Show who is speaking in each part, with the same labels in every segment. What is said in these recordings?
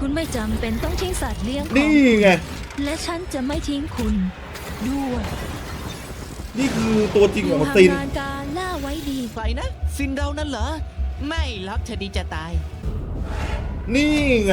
Speaker 1: คุณไม่จำเป็นต้องทิ้งสัตว์เลี้ยงของ
Speaker 2: นี่ไง
Speaker 1: และฉันจะไม่ทิ้งคุณด้วย
Speaker 2: นี่คือตัวจริงของ
Speaker 1: อยู่
Speaker 2: ซิน
Speaker 1: ห่างๆการล่าไว้ดี
Speaker 3: ใครนะซินเรานั่นเหรอไม่ล็อกเธอดีจะตาย
Speaker 2: นี่ไง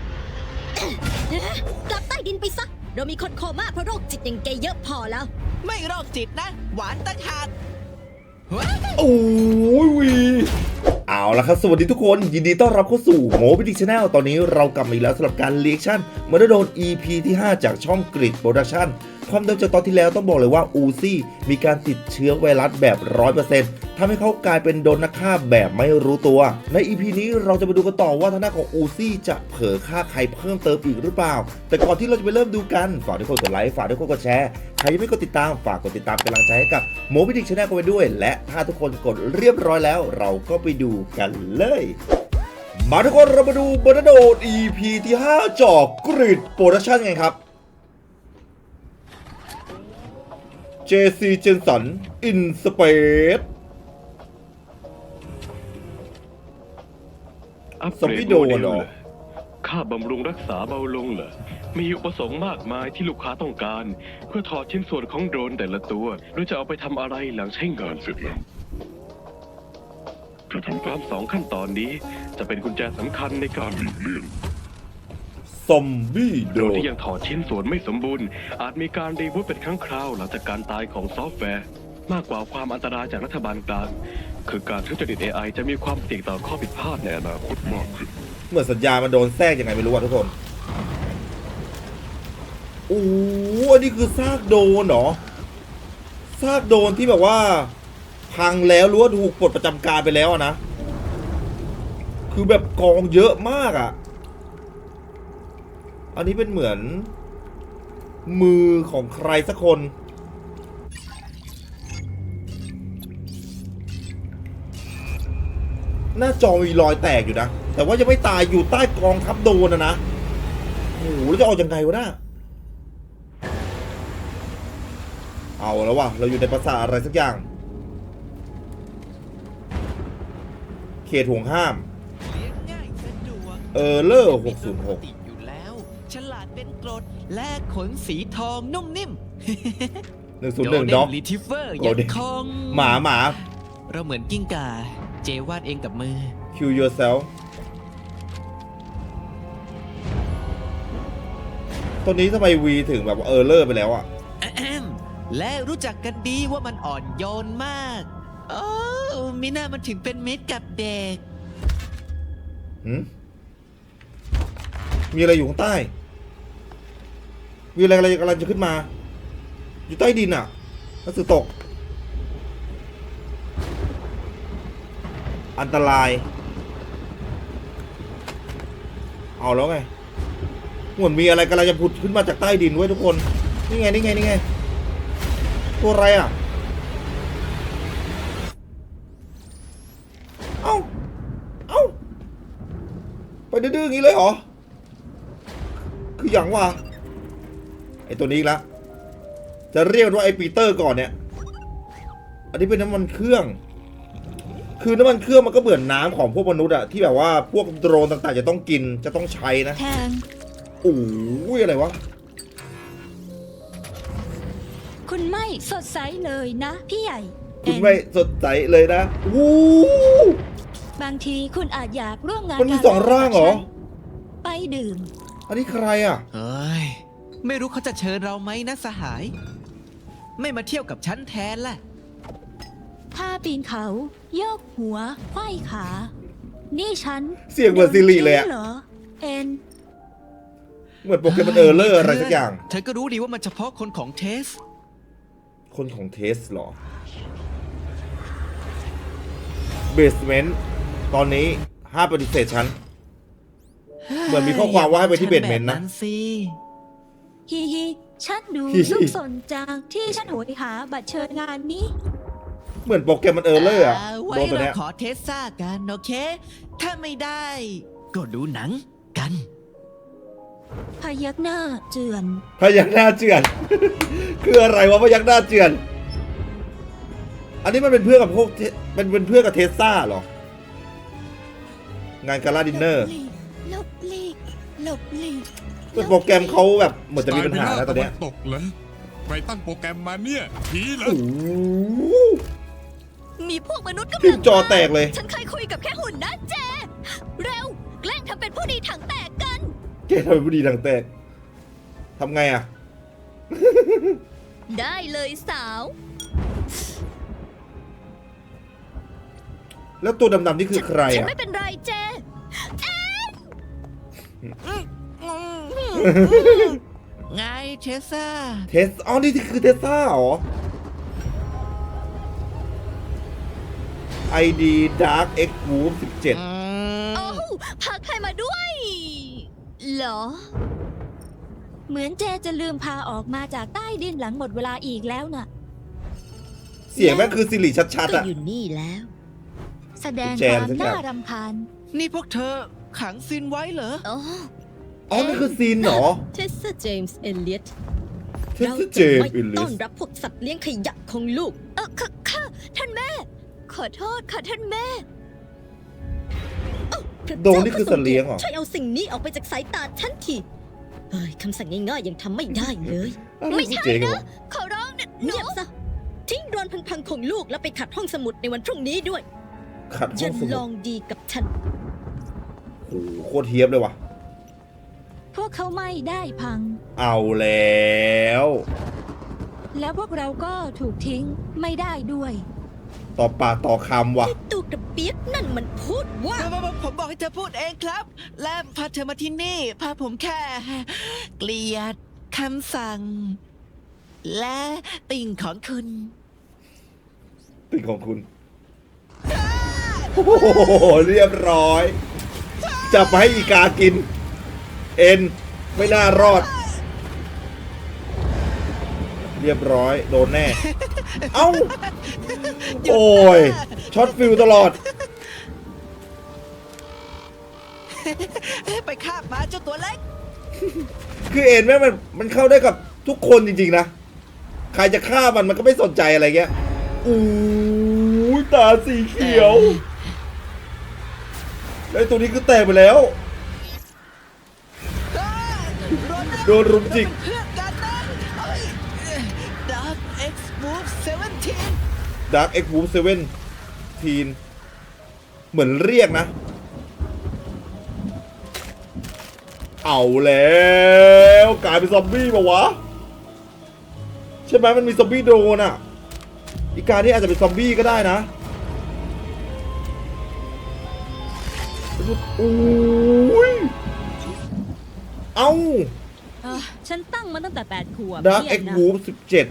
Speaker 4: กลับใต้ดินไปซะ เรามีคนโคม่าเพราะโรคจิตอย่างแกเยอะพอแล้ว
Speaker 3: ไม่โรคจิตนะ หวานตะขาด
Speaker 2: โอ้ยวีเอาละครับสวัสดีทุกคนยินดีต้อนรับเข้าสู่โมบิดิชแนลตอนนี้เรากลับมาอีกแล้วสำหรับการเรีแอคชั่นเมื่อได้โดน EP ที่ 5 จากช่องกริดโปรดักชั่นความเดิมจากตอนที่แล้วต้องบอกเลยว่าอูซี่มีการติดเชื้อไวรัสแบบ 100% ทำให้เขากลายเป็นโดนนักฆ่าแบบไม่รู้ตัวใน EP นี้เราจะมาดูกันต่อว่าทางด้านของอูซี่จะเผลอฆ่าใครเพิ่มเติมอีกหรือเปล่าแต่ก่อนที่เราจะไปเริ่มดูกันฝากทุกคนกดไลค์ฝากทุกคนกดแชร์ใครยังไม่กดติดตามฝากกดติดตามเป็นกำลังใจให้กับโมบิดิชแนลกันไปด้วยและถ้าทุกคนกดเรียบร้อยแล้วเราก็ไปดูกันเลยมาทุกคนเรามาดูบนโดด EP ที่ 5 จากกริดโปรดักชั่นไงครับ JC Jensen in Space
Speaker 5: อัป
Speaker 2: ซอม
Speaker 5: เกร
Speaker 2: บี้
Speaker 5: ด
Speaker 2: โด
Speaker 5: โม
Speaker 2: น
Speaker 5: เดล
Speaker 2: เหรอ
Speaker 5: เหรอค่าบำรุงรักษาเบาลงเหรอมีอุปสงค์มากมายที่ลูกค้าต้องการ เพื่อถอดชิ้นส่วนของโดรนแต่ละตัวหรือจะเอาไปทำอะไรหลังใช้งานเสร็จแล้วการทำตาม2 ขั้นตอนนี้จะเป็นกุญแจสำคัญในการหลีกเลี่ยง
Speaker 2: ซอมบี้โด
Speaker 5: โดรน
Speaker 2: น
Speaker 5: ที่ยังถอดชิ้นส่วนไม่สมบูรณ์อาจมีการรีบูตเป็นครั้งคราวหลังจากการตายของซอฟต์แวร์ มากกว่าความอันตรายจากรัฐบาลกลางคือการทุจริต AI จะมีความเสี่ยงต่อข้อผิดพลาดในอนาคตมากขึ้น
Speaker 2: เหมือนสัญญาณมันโดนแทรกยังไงไม่รู้อ่ะทุกคนโอ้อันนี้คือซากโดนเหรอซากโดนที่แบบว่าพังแล้วหรือว่าถูกปลดประจำการไปแล้วอะนะคือแบบกองเยอะมากอ่ะอันนี้เป็นเหมือนมือของใครสักคนหน้าจอมีรอยแตกอยู่นะแต่ว่ายังไม่ตายอยู่ใต้กองทัพโดนนะโอ้โหแล้วจะเอายังไงวะน่ะเอาแล้ววะเราอยู่ในภาษาทอะไรสักอย่างเขตห่วงห้าม
Speaker 3: เลี้ยงง่ายสะดวก
Speaker 2: เลอร์
Speaker 3: ปกติอยู่แล้ว ฉลาดเป็นกรดและขนสีทองนุ่มนิ่ม
Speaker 2: 606 101ด็อก
Speaker 3: ลิทิเฟอร์
Speaker 2: โกล
Speaker 3: ยัง
Speaker 2: เด้น
Speaker 3: คง
Speaker 2: หมา
Speaker 3: เราเหมือนกิ้งก่า เจวาดเองกับมือ
Speaker 2: kill yourself ตอนนี้ทำไมวีถึงแบบเลอร์ไปแล้วอ่ะ
Speaker 3: อะแอมและรู้จักกันดีว่ามันอ่อนโยนมากโอ้มิน่ามันถึงเป็นมิตรกับเด็ก
Speaker 2: มีอะไรอยู่ข้างใต้ มีอะไรกำลังจะขึ้นมา อยู่ใต้ดินอ่ะหนังสือตก อันตราย เอาแล้วไงเหมือนมีอะไรกำลังจะผุดขึ้นมาจากใต้ดินไว้ยทุกคน นี่ไงตัวอะไรอ่ะ เอ้าไปดื้อๆอย่างนี้เลยเหรอ คืออย่างว่าไอตัวนี้อีกแล้วจะเรียกว่าไอปีเตอร์ก่อนเนี่ย อันนี้เป็นน้ำมันเครื่อง คือน้ำมันเครื่องมันก็เหมือนน้ำของพวกมนุษย์อะที่แบบว่าพวกโดรนต่างๆจะต้องกินจะต้องใช้นะ
Speaker 1: แทง
Speaker 2: โอ้ยอะไรวะ
Speaker 1: คุณไม่สดใสเลยนะ พี่ใหญ่
Speaker 2: คุณไม่สดใสเลยนะวู้
Speaker 1: บางทีคุณอาจอยากร่วมงาน
Speaker 2: มันมี
Speaker 1: กั
Speaker 2: สองร่างเหรอ
Speaker 1: ไปดื่ม
Speaker 2: อันนี้ใครอะ
Speaker 3: เฮ้ย ไม่รู้เขาจะเชิญเราไหมนะสหาย ไม่มาเที่ยวกับฉันแทนล่ะ
Speaker 1: ถ้าปีนเขาโยกหัวไขว้ขา นี่ฉัน
Speaker 2: เสียงเหมือนซิริเลยอะ
Speaker 1: โดนเหรอเอ็น
Speaker 2: เหมือนโปเกมอนเลอร์อะไรสักอย่าง
Speaker 3: เธอก็รู้ดีว่ามันเฉพาะคนของเทส
Speaker 2: คนของเทสเหรอเบสเมนต์ตอนนี้ห้ามปฏิเสธฉัน เหมือนมีข้อความว่าให้ไปที่เบสเมนต์นะ
Speaker 3: สิ
Speaker 1: ฮิฮิฉันดู
Speaker 2: ฮิฮิ
Speaker 1: ลูกสนจังที่ฉันโหยหาบัตรเชิญงานนี้
Speaker 2: เหมือนโปเกมอนเลอร์อะ
Speaker 3: ไว้
Speaker 2: โดนตัว
Speaker 3: เรา
Speaker 2: เนี้ย
Speaker 3: ขอเทสซ่ากันโอเค ถ้าไม่ได้ ก็ดูหนังกัน
Speaker 1: พยักหน้าเจือน
Speaker 2: พยักหน้าเจือน คืออะไรวะพยักหน้าเจือน อันนี้มันเป็นเพื่อนกับพวกเป็นเพื่อนกับเทสซ่าเหรอ งานกาลาดินเนอร์
Speaker 4: ลบลี
Speaker 1: หลบหลีก
Speaker 2: แต่โปรแกรมเขาแบบเหมือนจะมีปัญหาแล้วตอนเนี้ย
Speaker 6: ตกเหรอใครตั้งโปรแกรมมาเนี่ยผีเหรอ
Speaker 2: โอ้โห
Speaker 4: มีพวกมนุษย์กำ
Speaker 2: พิ
Speaker 4: ลั
Speaker 2: ม
Speaker 4: ง
Speaker 2: พ์จอแตกเลย
Speaker 4: ฉันเคยคุยกับแค่หุ่นนะเจ เร็ว แกล้งทำเป็นผู้ดีถังแตกกัน
Speaker 2: แกทำเป็นผู้ดีทางแตกทำไงอะ
Speaker 4: ได้เลยสาว
Speaker 2: แล้วตัวดำๆนี่คือใคร
Speaker 4: ฉัน
Speaker 2: อะ
Speaker 4: ไม่เป็นไรเจ
Speaker 3: ไงเชซ่า
Speaker 2: เทสอ๋อนี่คือเทสซ่าเหรอ ID Dark X Group 17
Speaker 4: โอ้วพาใครมาด้วย เหรอ
Speaker 1: เหมือนเจจะลืมพาออกมาจากใต้ดินหลังหมดเวลาอีกแล้วน่ะ
Speaker 2: เสียงแม่งคือสิริชัด
Speaker 4: ก็
Speaker 2: ๆอะ
Speaker 4: อยู่นี่แล้ว
Speaker 1: แสดง
Speaker 2: แจ
Speaker 1: ค
Speaker 2: ม
Speaker 1: วาม
Speaker 2: สักอย่าง
Speaker 1: น่ารำคาญ
Speaker 3: นี่พวกเธอขังซินไว้เหรอ
Speaker 4: อ๋อ
Speaker 2: อ๋อนี่คือซีนเหรอ
Speaker 4: เทสเจมส์เอเลียต
Speaker 2: เทส
Speaker 4: เรา
Speaker 2: เจ
Speaker 4: จะ
Speaker 2: ม
Speaker 4: ไม่
Speaker 2: อิลลิ
Speaker 4: ต้อ
Speaker 2: ส
Speaker 4: นรับพวกสัตว์เลี้ยงขยะของลูก ค่ะท่านแม่ ขอโทษค่ะท่านแม่พระ
Speaker 2: โดนนี่คือสัตว์เลี้ยงเหรอ
Speaker 4: ช่วยเอาสิ่งนี้ออกไปจากสายตาฉันทีเฮ้ยคำสั่งง่ายๆยังทำไม่ได้เลย ไม่ใช่
Speaker 2: เจ๊งเหร
Speaker 4: นะ
Speaker 2: อ
Speaker 4: ขอร้องนะเงียบซะ ทิ้งโดรนพังๆของลูกแล้วไปขัดห้องสมุดในวันพรุ่งนี้ด้วย
Speaker 2: ขัดห้
Speaker 4: จะ
Speaker 2: องส
Speaker 4: ล
Speaker 2: มุ
Speaker 4: อ
Speaker 2: ด
Speaker 4: งดีกับฉัน
Speaker 2: โอ้โหโคตรเทียบเลยว่ะ
Speaker 1: พวกเขาไม่ได้พัง
Speaker 2: เอาแล้ว
Speaker 1: แล้วพวกเราก็ถูกทิ้งไม่ได้ด้วย
Speaker 2: ต่อปากต่อคำว่ะ
Speaker 4: ตูกระเปียกนั่นมันพูดว่า
Speaker 3: ผมบอกให้เธอพูดเองครับ และพาเธอมาที่นี่ พาผมแค่ เกลียดคำสั่ง และติ่งของคุณ
Speaker 2: เป็นของคุณ โอ้โห เรียบร้อย จับมาให้อีกากิน เอ็น ไม่น่ารอด เรียบร้อย โดนแน่ เอ้า โอ้ย ช็อตฟิลตลอด
Speaker 3: ไปคาบมาเจ้าตัวเล็ก
Speaker 2: คือเอ็นแม่งมันเข้าได้กับทุกคนจริงๆนะ ใครจะฆ่ามันก็ไม่สนใจอะไรเงี้ยอู้ยตาสีเขียวแล้วไอ้ตัวนี้คือแตกไปแล้ว โดนรุมจิก
Speaker 3: เพื่อนกันนะDark X Move 17
Speaker 2: Dark X Group 17 เหมือนเรียกนะ เอาแล้วกลายเป็นซอมบี้ป่าวะ ใช่ไหมมันมีซอมบี้โดรนอ่ะ อีกานี่อาจจะเป็นซอมบี้ก็ได้นะโอ้ย เอ้า
Speaker 1: ฉันตั้งมาตั้งแต่8 ขวบ
Speaker 2: Dark
Speaker 1: เนี่ย
Speaker 2: X
Speaker 1: นะ
Speaker 2: Group 17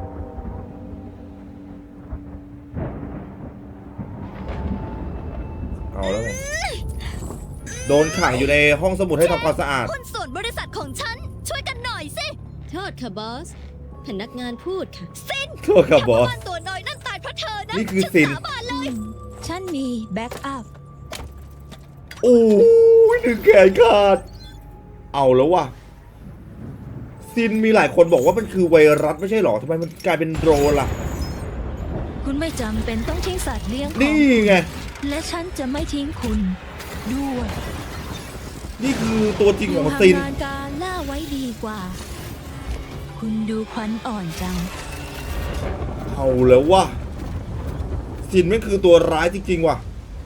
Speaker 2: เอาแล้วไงโดนขังอยู่ในห้องสมุดให้ทำความสะอาด
Speaker 4: หุ้นส่วนบริษัทของฉัน ช่วยกันหน่อยสิ โทษค่ะบอส พนักงานพูดค่ะ ซิน
Speaker 2: โทษครับบอส
Speaker 4: แค่ว่าตัวน้อยนั่นตายเพราะเธอนะ
Speaker 2: นี่คือ
Speaker 4: ฉั
Speaker 2: ซิน
Speaker 4: สาบานเลย
Speaker 1: ฉันมีแบ็กอัพ
Speaker 2: โอ้ยถึงแขนขาด เอาแล้วว่ะ ซินมีหลายคนบอกว่ามันคือไวรัสไม่ใช่หรอทำไมมันกลายเป็นโดรนล่ะ
Speaker 1: คุณไม่จำเป็นต้องทิ้งสัตว์เลี้ยงของ
Speaker 2: นี่ไง
Speaker 1: และฉันจะไม่ทิ้งคุณด้วย
Speaker 2: นี่คือตัวจริง
Speaker 1: อ
Speaker 2: ข
Speaker 1: ยู่
Speaker 2: อง
Speaker 1: ห่าง
Speaker 2: ซิน
Speaker 1: งานการล่าไว้ดีกว่า คุณดูขวัญอ่อนจัง
Speaker 2: เอาแล้วว่ะ ซินแม่งคือตัวร้ายจริงๆว่ะ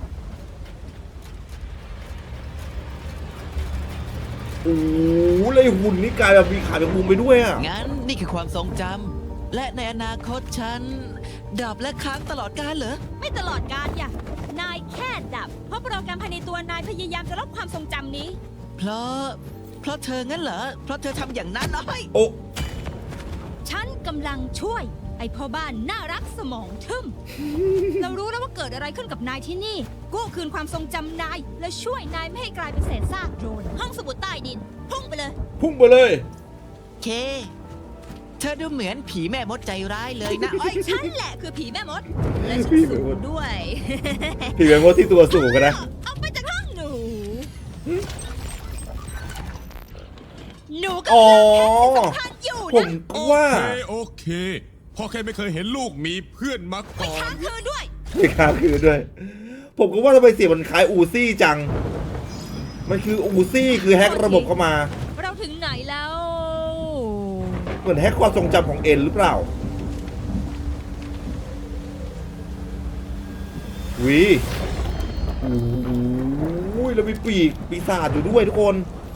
Speaker 2: โอ้โหเลยหุ่นนี่กลายแบบมีขาเป็นมุมไปด้วยอ่ะ
Speaker 3: งั้นนี่คือความทรงจำ และในอนาคตฉัน ดับและค้างตลอดกาลเหรอ
Speaker 7: ไม่ตลอดการอย่างนายแค่ดับ เพราะโปรแกรมภายในตัวนายพยายามจะลบความทรงจำนี้
Speaker 3: เพราะเธองั้นเหรอ เพราะเธอทำอย่างนั้นเอ้ย
Speaker 2: โอ้
Speaker 7: ฉันกำลังช่วย ไอ้พ่อบ้านน่ารักสมองทึม เรารู้แล้วว่าเกิดอะไรขึ้นกับนายที่นี่ กู้คืนความทรงจำนาย และช่วยนายไม่ให้กลายเป็นเศษซากโดรน ห้องสมุดใต้ดิน พุ่งไปเลย
Speaker 2: พุ่งไปเลย
Speaker 3: เค เธอดูเหมือนผีแม่มดใจร้ายเลยนะเอ้ย
Speaker 7: ฉันแหละคือผีแม่มด และฉัน
Speaker 2: ผีแม่
Speaker 7: สู
Speaker 2: มด
Speaker 7: งด้วย
Speaker 2: ผีแมงมดที่ตัวสูงกันนะ
Speaker 7: เอาไปจากห้องหนู หนู
Speaker 2: อ๋อ
Speaker 7: กำลังทานอยู่
Speaker 2: ผม
Speaker 7: นะ
Speaker 2: ก็ว่า
Speaker 6: โอเคพ่อแค่ไม่เคยเห็นลูกมีเพื่อนมาก่อน
Speaker 7: ค้างคืนด้วย
Speaker 2: ไม่ค้างคืนด้วย ผมก็ว่าทำไมเสียงมันคล้ายอูซี่จังมันคืออูซี่คือแฮกระบบเข้ามา
Speaker 7: เราถึงไหนแล้ว
Speaker 2: เหมือนแฮกความทรงจำของเอ็นหรือเปล่าวิโอ้ยแล้วมีปีศาจอยู่ด้วยทุกคน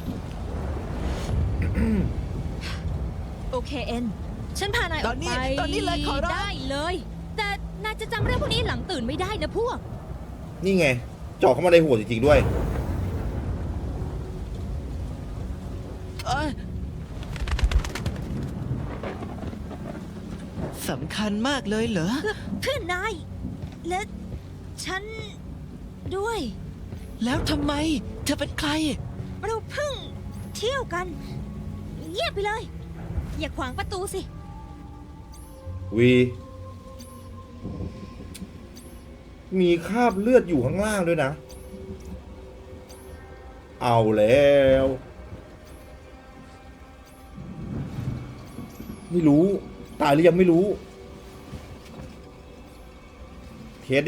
Speaker 7: โอเคเอ็น ฉันพานายออกไป
Speaker 3: ตอนนี้เลยขอร้อง
Speaker 7: ได้เลย แต่นายจะจำเรื่องพวกนี้หลังตื่นไม่ได้นะพวก
Speaker 2: นี่ไงเจาะเข้ามาในหัวจริงๆด้วย
Speaker 3: เอ้ยสำคัญมากเลยเหรอ
Speaker 7: เพื่อนนาย และฉันด้วย
Speaker 3: แล้วทำไม เธอเป็นใคร
Speaker 7: เราเพิ่งเที่ยวกัน เงียบไปเลย อย่าขวางประตูสิ
Speaker 2: วีมีคราบเลือดอยู่ข้างล่างด้วยนะ เอาแล้ว ไม่รู้ ตายหรือยังไม่รู้ เทสดิ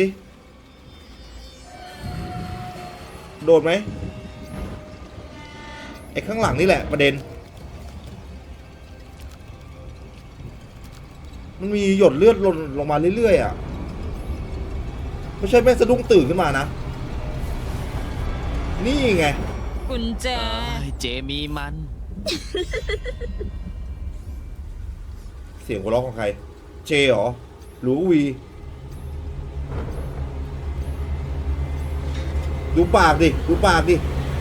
Speaker 2: โดนไหมไอ้ข้างหลังนี่แหละประเด็น มันมีหยดเลือดหล่นลงมาเรื่อยๆอ่ะ ไม่ใช่แม่สะดุ้งตื่นขึ้นมานะ นี่ไง
Speaker 7: กุญแจ
Speaker 3: เจมีมัน
Speaker 2: เสียงหัวเราะของใคร เจเหรอ หรือวี ดูปากดิ ดูปากดิ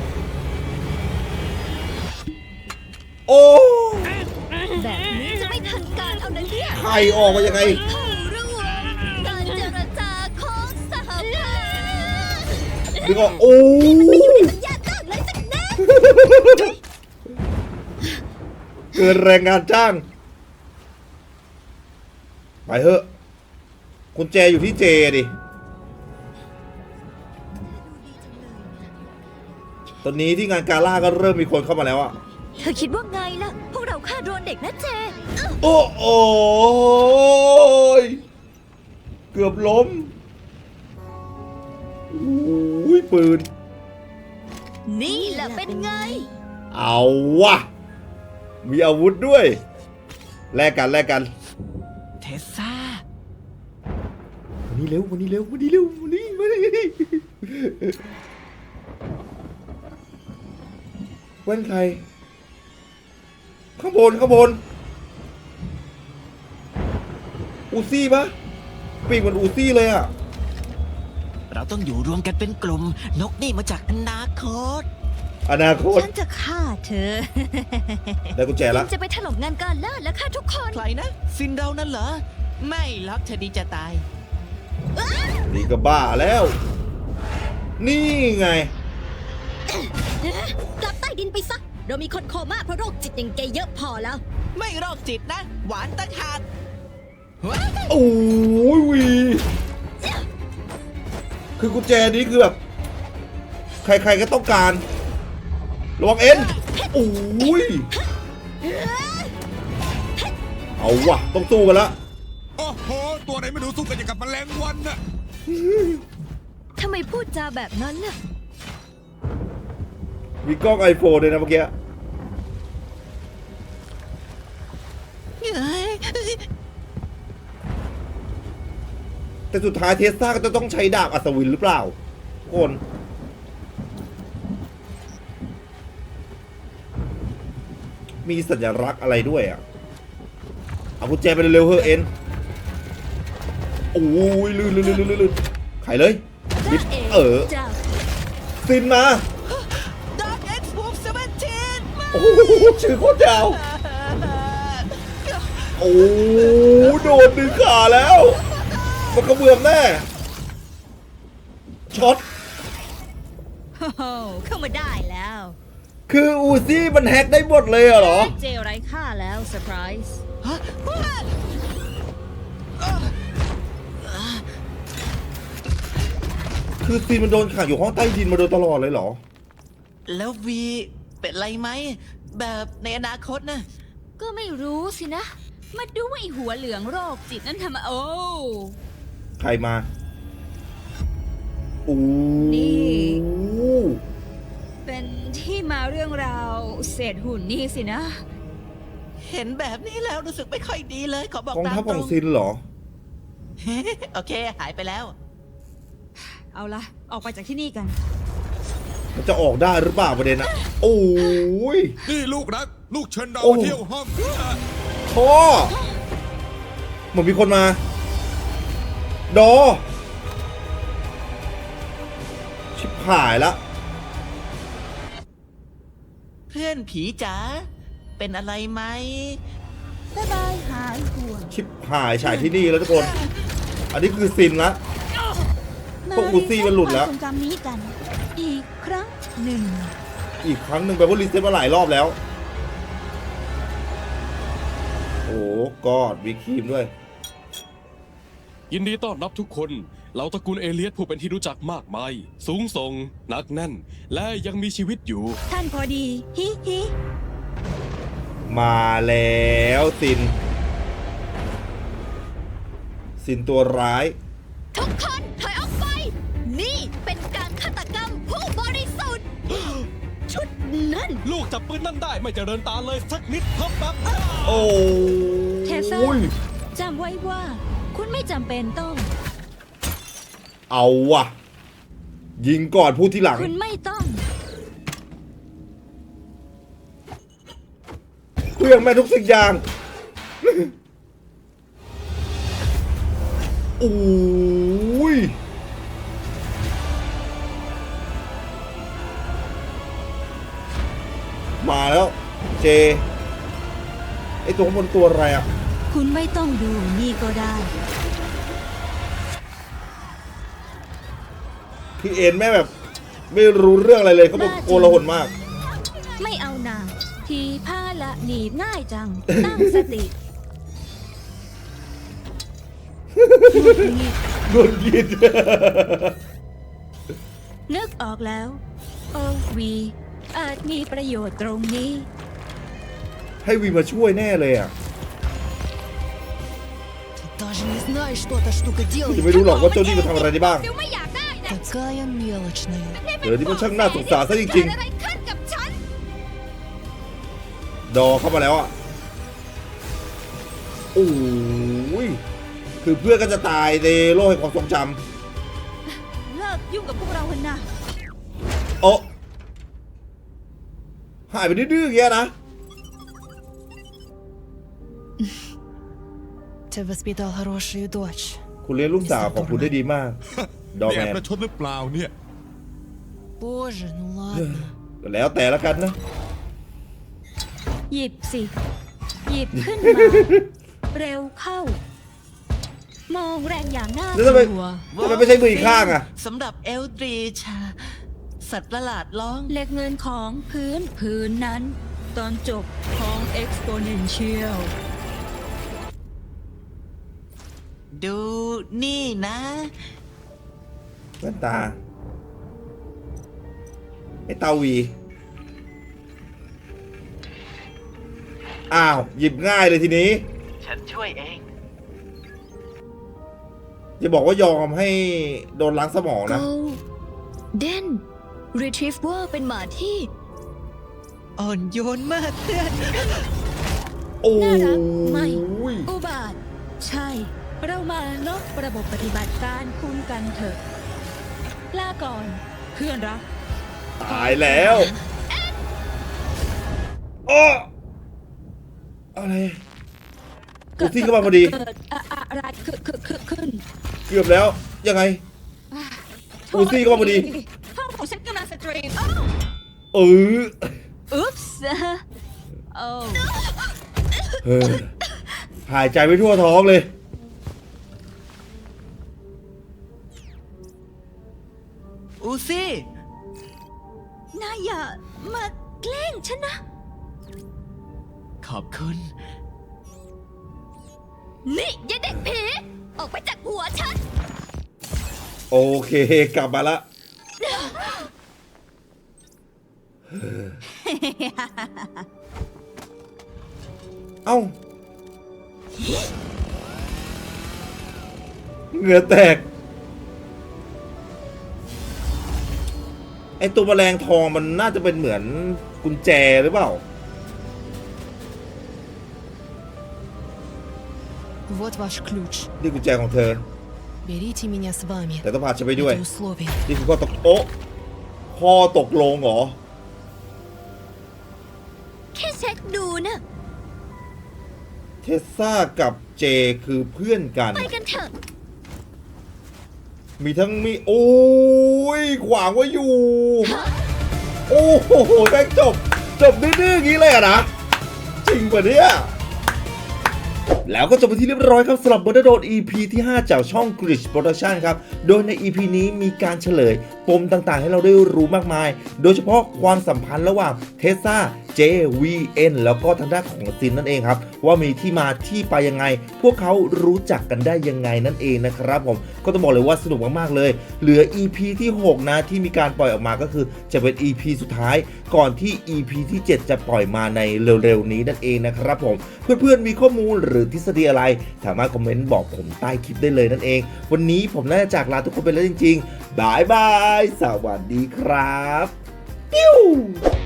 Speaker 2: โอ้
Speaker 4: แบบนี้จะไม่ทันการเอานะเนี่ย
Speaker 2: ใครออกมายังไง
Speaker 4: เข้าร่วมการเจรจาของสหภาพ
Speaker 2: ดึงออกโอ้
Speaker 4: สัญญาจ้างเลยสักแน่
Speaker 2: เกินแรงงานจ้าง ไปเถอะคุณแจอยู่ที่เจดิ ตอนนี้ที่งานกาล่าก็เริ่มมีคนเข้ามาแล้วอะ
Speaker 4: เธอคิดว่าไงล่ะ พวกเราฆ่าโดรนเด็กนะเจ
Speaker 2: โอ้โอ้ยเกือบล้มโอ้ยปืน
Speaker 4: นี่แหละเป็นไง
Speaker 2: เอาวะ มีอาวุธด้วย แลกกันแลกกัน
Speaker 3: เทสซ่า
Speaker 2: วันนี้เร็ววันนี้เร็ววันนี้เร็ววันนี้มาดิแว่นใคร ข้างบนข้างบน อูซี่ปะปีกเหมือนอูซี่เลยอะ
Speaker 3: เราต้องอยู่รวมกันเป็นกลุ่ม นกนี่มาจากอนาคต
Speaker 2: อนาคต
Speaker 7: ฉันจะฆ่าเธอ
Speaker 2: ได้กุญแจละ
Speaker 4: จะไปถล่มงานการล่าและฆ่าทุกคน
Speaker 3: ใครนะ ซินเรานั่นเหรอ ไม่ล็อกเธอดีจะตาย
Speaker 2: นี่ก็บ้าแล้ว นี่ไง
Speaker 4: กลับใต้ดินไปซะ เรามีคนโคม่าเพราะโรคจิตอย่างแกเยอะพอแล้ว
Speaker 3: ไม่โรคจิตนะ หวานตั้งหาก
Speaker 2: โอ้ยวี คือกุญแจนี้คือแบบ ใครๆก็ต้องการระวังเอ็นโอ้ย เอาวะต้องสู้กันละ
Speaker 6: โอ้โห ตัวไหนไม่รู้สู้กันอย่างกับแมลงวันน่ะ
Speaker 4: ทำไมพูดจาแบบนั้นน่ะ
Speaker 2: มีกล้องไอโฟนเลยนะเมื่อกี้ แต่สุดท้ายเทสซาก็จะต้องใช้ดาบอัศวินหรือเปล่าทุกคน มีสัญลักษณ์อะไรด้วยอ่ะ เอากุญแจไปเร็วๆเฮ้อะเอ็น โอ้ยลื่นไขเลยบิดซินมา
Speaker 3: Dark X Wolf 17
Speaker 2: โอ้โหชื่อโคตรยาว โอ้โดนดึงขาแล้ว มันกระเบื้องแน่ ช็อต
Speaker 7: โอ้โหเข้ามาได้แล้ว
Speaker 2: คืออูซี่มันแฮกได้หมดเลยเหรอ
Speaker 7: เจไร้ค่าแล้วเซอร์ไพรส์
Speaker 2: คือซีนมันโดนขังอยู่ห้องใต้ดินมาโดยตลอดเลยเหรอ
Speaker 3: แล้ววีเป็นไรไหม แบบในอนาคตนะ
Speaker 7: ก็ไม่รู้สินะ มาดูว่าไอหัวเหลืองโรคจิตนั่นทำมาโอ้
Speaker 2: ใครมาโอ้
Speaker 7: นี่ เป็นที่มาเรื่องราวเศษหุ่นนี่สินะ
Speaker 3: เห็นแบบนี้แล้วรู้สึกไม่ค่อยดีเลย ขอบอก
Speaker 2: กอง
Speaker 3: ตาม
Speaker 2: ทัพ
Speaker 3: ต
Speaker 2: ข
Speaker 3: ร
Speaker 2: อง
Speaker 3: ง
Speaker 2: ซินเหรอ
Speaker 3: โอเค หายไปแล้ว
Speaker 7: เอาละออกไปจากที่นี่กัน
Speaker 2: มันจะออกได้หรือเปล่าประเด็นอะโอ้ย
Speaker 6: นี่ลูกรัก ลูกเชิญเรา
Speaker 2: โอ้
Speaker 6: มาเที่ยวห้อง
Speaker 2: พ่อเหมือนมีคนมา ดอ ชิบหายละ
Speaker 3: เพื่อนผีจ๋าเป็นอะไรไหม
Speaker 1: บ๊ายบายหายห่วง
Speaker 2: ชิบหายฉายที่นี่แล้วทุกคน อันนี้คือซินละ พวกอูซี่มันหลุดแล้ว
Speaker 1: มารีเซ็ตความทรงจำนี้กัน อีกครั้งหนึ่ง
Speaker 2: อีกครั้งหนึ่งแปลว่ารีเซ็ตมาหลายรอบแล้ว โอ้กอดวิครีมด้วย
Speaker 5: ยินดีต้อนรับทุกคนเหล่าตระกูลเอเลียสผู้เป็นที่รู้จักมากมาย สูงส่งหนักแน่น และยังมีชีวิตอยู่
Speaker 1: ท่านพอดี ฮิฮิ
Speaker 2: มาแล้วซิน ซินตัวร้าย
Speaker 4: ทุกคนถอยออกไป นี่เป็นการฆาตกรรมผู้บริสุทธิ์ ชุดนั้น
Speaker 5: ลูกจับปืนนั่นได้ไม่เจริญตาเลยสักนิดครับแบบ
Speaker 2: โอ้
Speaker 1: เทเซอร์ จำไว้ว่า คุณไม่จำเป็นต้อง
Speaker 2: เอาว่ะ ยิงก่อนพูดทีหลัง
Speaker 1: คุณไม่ต้อง
Speaker 2: เครื่องแม่ทุกสิ่งอย่าง โอ้ย มาแล้ว เจ ไอตัวข้างบนตัวอะไรอ่ะ
Speaker 1: คุณไม่ต้องดูนี่ก็ได้
Speaker 2: พี่เอ็นแม่แบบ ไม่รู้เรื่องอะไรเลยเขาบอกโกลาหลมาก
Speaker 1: ไม่เอาหนาทีผ้าละหนีบง่ายจัง ตั้งสติหงุดหงิด
Speaker 2: โดนยิน
Speaker 1: นึกออกแล้ว โอวีอาจมีประโยชน์ตรงนี้
Speaker 2: ให้วีมาช่วยแน่เลยอ่ะ
Speaker 8: Даже не знаешь, что эта штука
Speaker 2: จะ
Speaker 8: делает.
Speaker 2: ไม่รู้หรอกว่าเจ้านี่มาทำอะไรได้บ้าง
Speaker 7: ฟิวไม่อยากได้นะ
Speaker 8: Такая мелочная.
Speaker 2: เดี๋ยวนี้มันช่างน่าสงสารซะจริง
Speaker 7: เกิดอะไรขึ้นกับฉัน
Speaker 2: ๆ ดอเข้ามาแล้วอ่ะ โอ้ย คือเพื่อนก็จะตายในโลกแห่งความทรงจ
Speaker 1: เลิกยุ่งกับพวกเราเถอะนะ
Speaker 2: ำโอ้หายไปดื้อๆอย่างเงี้ยนะ
Speaker 8: Ты воспитал хорошую дочь.
Speaker 2: คุณเลี้ยงลูกสาวของคุณได้ดีมาก ดอ
Speaker 6: นี่
Speaker 2: แม
Speaker 6: แอบ
Speaker 2: น
Speaker 6: ประชดหรือเปล่าเนี่ย
Speaker 8: Боже, ну ладно.
Speaker 2: ก็แล้วแต่ละกันนะ
Speaker 1: หยิบสิ หยิบขึ้นมา เร็วเข้า มองแรงอย่างน่า
Speaker 2: แล้ว
Speaker 1: ก
Speaker 2: ทำไม
Speaker 1: ลัว
Speaker 2: ทำไมไม่ใช่มืออีกข้างอ่ะ
Speaker 3: สำหรับเอลดรีชสัตว์ประหลาดร้อง
Speaker 1: เหล็กเงินของพื้นนั้น ตอนจบของ exponential
Speaker 3: ดูนี่นะ
Speaker 2: แว่นตา ไอ้ตาวี อ้าว หยิบง่ายเลยทีนี้
Speaker 3: ฉันช่วยเอง
Speaker 2: อย่าบอกว่ายอมให้โดนล้างสมองนะ
Speaker 4: Go Den Retriever เป็นหมาที่
Speaker 3: อ่อนโยนมากเพื่อน
Speaker 2: โอ้
Speaker 1: น่ารักไหม
Speaker 2: ย
Speaker 1: อุบาท ใช่ เรามาลบระบบปฏิบัติการคุณกันเถอะ ลาก่อน เพื่อนรัก
Speaker 2: ตายแล้วอ้ออะไรกูซี่เข้ามาพอดี
Speaker 1: เกิดอะไรขึ้น
Speaker 2: เกือบแล้ว ยังไง อูซี่เข้ามาพอดี
Speaker 7: ห้องของฉันกำลังสตรีม
Speaker 2: เออ
Speaker 1: อุ๊ปส์โอ้
Speaker 2: เออหายใจไม่ทั่วท้องเลย
Speaker 3: อูซี่
Speaker 1: นายอย่ามาแกล้งฉันนะ
Speaker 3: ขอบคุณ
Speaker 4: นี่ยายเด็กผี ออกไปจากหัวฉัน
Speaker 2: โอเค กลับมาละ เอ้า เหงื่อแตก ไอตัวแมลงทองมันน่าจะเป็นเหมือนกุญแจหรือเปล่า
Speaker 8: Вот ваш ключ.
Speaker 2: นี่กุญแจของเธอ
Speaker 8: Берите меня с вами.
Speaker 2: แต่ต้องพาฉันไปด้วย
Speaker 8: Это условие.
Speaker 2: นี่คือข้อตกโอ๊ะข้อตกลงเหรอ
Speaker 4: แค่เช็คดูนะ
Speaker 2: เทสซากับเจคือเพื่อนกัน
Speaker 4: ไปกันเถอะ
Speaker 2: มีทั้งมีโอ้ยขวางไว้อยู่ โอ้โหแม่งจบดื้อๆอย่างนี้เลยอะนะ จริงป่ะเนี่ย แล้วก็จบไปที่เรียบร้อยครับสำหรับ Murder Zone EP ที่ 5 จากช่อง Glitch Production ครับ โดยใน EP นี้มีการเฉลยปมต่างๆให้เราได้รู้มากมาย โดยเฉพาะความสัมพันธ์ระหว่างเทสซา JVN แล้วก็ทางด้านของซินนั่นเองครับ ว่ามีที่มาที่ไปยังไง พวกเขารู้จักกันได้ยังไงนั่นเองนะครับผมก็ต้องบอกเลยว่าสนุกมากๆเลย เหลือ EP ที่ 6 นะที่มีการปล่อยออกมาก็คือจะเป็น EP สุดท้ายก่อนที่ EP ที่ 7 จะปล่อยมาในเร็วๆนี้นั่นเองนะครับผมเพื่อนๆมีข้อมูลหรือทฤษฎีอะไรสามารถคอมเมนต์บอกผมใต้คลิปได้เลยนั่นเองวันนี้ผมน่าจะจากลาทุกคนไปแล้วจริงๆบายบายสวัสดีครับปิ้ว